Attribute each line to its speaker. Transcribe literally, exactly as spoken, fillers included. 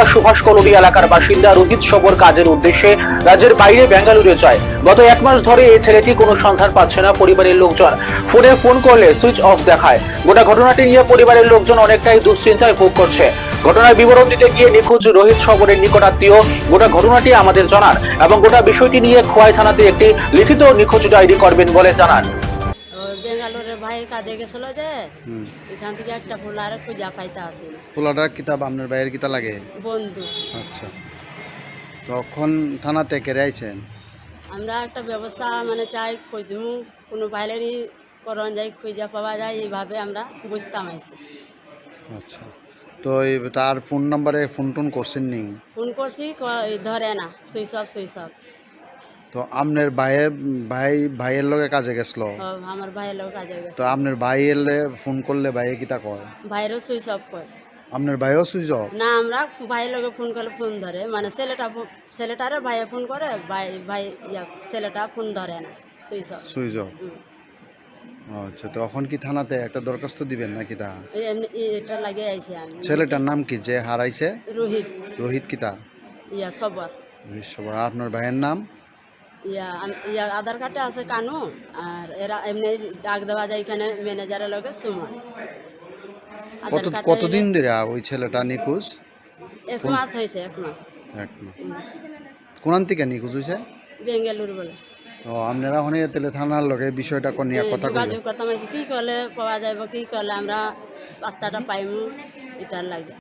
Speaker 1: বেঙ্গালুরুর সুভাষ কলোনি এলাকার বাসিন্দা রোহিত সবর কাজের উদ্দেশ্যে রাজ্যের বাইরে বেঙ্গালুরু যায়। গত এক মাস ধরে এই ছেলেটি কোনো সন্ধান পাচ্ছে না পরিবারের লোকজন। ফোনে ফোন করলে সুইচ অফ দেখায়। গোটা ঘটনাটি নিয়ে পরিবারের লোকজন অনেকটাই দুশ্চিন্তায় ভোগ করছে। ঘটনার বিবরণ দিতে গিয়ে নিখোঁজ রোহিত সবরের নিকটাত্মীয় গোটা ঘটনাটি আমাদের জানান এবং গোটা বিষয়টি নিয়ে খোয়াই থানাতে একটি লিখিত নিখোঁজ ডায়েরি করবেন বলে জানান।
Speaker 2: বেঙ্গালোরের ভাই কাজে গেছিল যে
Speaker 3: হুম
Speaker 2: এখান থেকে একটা ফুলার খুঁজা পাইতে আসে
Speaker 3: পোলাটার কিতাব আপনার ভাইয়ের কিতা লাগে?
Speaker 2: বন্ধু।
Speaker 3: আচ্ছা, তখন থানাতে কেড়ে আইছেন?
Speaker 2: আমরা একটা ব্যবস্থা মানে চাই খুঁজমু কোনো ভাইলেরই করণ যাই খুঁজা পাওয়া যায় এইভাবে আমরা বুঝতাম আইছি।
Speaker 3: আচ্ছা, তো এই তার ফোন নাম্বারে ফোন টোন করছেন নি?
Speaker 2: ফোন করছি ক- ধরে না, সুইচ অফ সুইচ অফ।
Speaker 3: তো আপনার ভাইয়ের ভাই ভাইয়ের লগে কাজে গেছিল,
Speaker 2: আমার ভাইয়ের লোক কাজে
Speaker 3: তো
Speaker 2: গেছে,
Speaker 3: আপনার ভাইয়ের ফোন করলে ভাইয়ে কিতা কয়?
Speaker 2: ভাইয়েরও সুইচ অফ করে
Speaker 3: আপনার ভাইও সুইচ অফ?
Speaker 2: না। আমরা ভাইয়ের লোকে ফোন করলে ফোন ধরে, মানে ছেলেটা ফো- ছেলেটারে ভাইয়ে ফোন করে, ভাই ভাই ইয়া ছেলেটা ফোন ধরে না, সুইচ অফ।
Speaker 3: Switch off. আচ্ছা, তো এখন কি থানাতে একটা দরখাস্ত দিবেন নাকি? তা
Speaker 2: এমনি এটা লাগিয়ে আইছি আমি।
Speaker 3: ছেলেটার নাম কি যে হারাইছে?
Speaker 2: রোহিত
Speaker 3: রোহিত কিতা?
Speaker 2: ইয়া সবার
Speaker 3: রোহিত সবার। আর আপনার ভাইয়ের নাম?
Speaker 2: ইয়া আম- ইয়া আধার কার্ডে আছে কানু, আর এরা এমনি ডাক দেওয়া যায় এখানে ম্যানেজারের লগে সুমন।
Speaker 3: কত
Speaker 2: আধার কার্ডে
Speaker 3: কতদিন ধরে ওই ছেলেটা নিখোঁজ?
Speaker 2: এক মাস হয়েছে, এক মাস।
Speaker 3: এক মাস। কোনান থেকে নিখোঁজ হয়েছে?
Speaker 2: বেঙ্গালুরু বলে
Speaker 3: ও, আপনারা ওখানে তেলে থানার লগে বিষয়টা কোন নিয়ে কথা কইলেন?
Speaker 2: যোগাযোগ করতাম আইছি, কি করলে পাওয়া যাইব, কি করলে আমরা পাত্তাটা পাইমু, এটার লাগে।